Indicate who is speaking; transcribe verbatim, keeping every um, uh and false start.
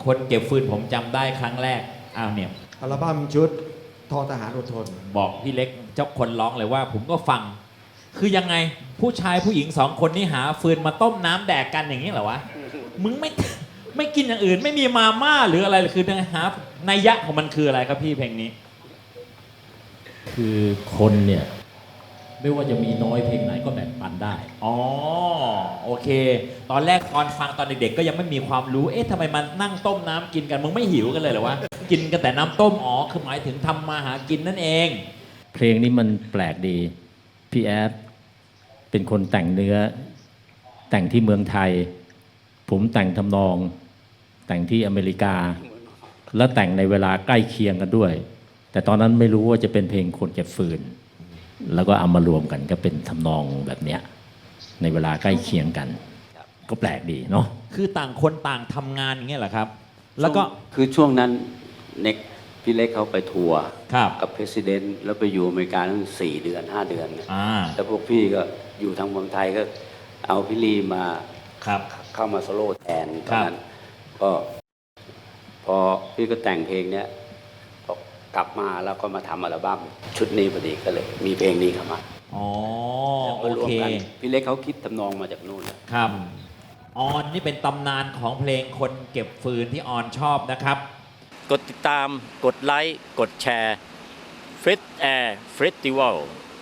Speaker 1: คนเก็บฟืนผมจำได้ครั้งแรกอ้าวเนี่ย
Speaker 2: อัลบั้มชุดทอทหารอดทน
Speaker 1: บอกพี่เล็กเจ้าคนร้องเลยว่า ผมก็ฟัง คือยังไงผู้ชายผู้หญิงสองคนนี้หาฟืนมาต้มน้ำแดกกันอย่างนี้เหรอวะมึงไม่ไม่กินอย่างอื่น ไม่มีมาม่าหรืออะไรคือหานัยยะของมันคืออะไรครับพี่เพลงนี้
Speaker 3: คือคนเนี่ยไม่ว่าจะมีน้อยเพลงไหนก็แบ่งปันได้
Speaker 1: อ๋อโอเค ตอนแรกตอนฟังตอนเด็กๆก็ยังไม่มีความรู้เอ๊ะทำไมมันนั่งต้มน้ำกินกันมึงไม่หิวกันเลยเหรอวะกินกันแต่น้ำต้มอ๋อคือหมายถึงทำมาหากินนั่นเอง
Speaker 3: เพลงนี้มันแปลกดีพี่แอดเป็นคนแต่งเนื้อแต่งที่เมืองไทยผมแต่งทำนองแต่งที่อเมริกา แล้วแต่งในเวลาใกล้เคียงกันด้วย แต่ตอนนั้นไม่รู้ว่าจะเป็นเพลงคนเก็บฟืนแล้วก็เอามารวมกันก็เป็นทำนองแบบเนี้ยในเวลาใกล้เคียงกันก็แปลกดีเนาะ
Speaker 1: คือต่างคนต่างทำงานอย่างเงี้ยเหรอครับ แล้วก็
Speaker 4: คือช่วงนั้นเน็กพี่เล็กเขาไปทัวร์
Speaker 1: ครับ
Speaker 4: กับประธานแล้วไปอยู่อเมริกาตั้งสี่เดือนห้าเดือนนะ
Speaker 1: อ่า
Speaker 4: แล้วพวกพี่ก็อยู่ทางเมืองไทยก็เอาพี่ลีมา
Speaker 1: ครับ
Speaker 4: เข้ามาโซโล่แทนต
Speaker 1: ค
Speaker 4: อ
Speaker 1: รั
Speaker 4: น
Speaker 1: บ
Speaker 4: นั้นก็พอพี่ก็แต่งเพลงเนี้ยพอกลับมาแล้วก็มาทำอัลบั้มชุดนี้พอดีก็เลย มีเพลงนี้เข้ามา
Speaker 1: อ๋อ
Speaker 4: แล้ว
Speaker 1: โอ
Speaker 4: ก็รวม
Speaker 1: เค
Speaker 4: กันพี่เล็กเขาคิดทำนองมาจากนู่นนะ
Speaker 1: ครับออนนี่เป็นตำนานของเพลงคนเก็บฟืนที่ออนชอบนะครับ
Speaker 5: กดติดตาม กดไลค์ กดแชร์ Frit Air Festival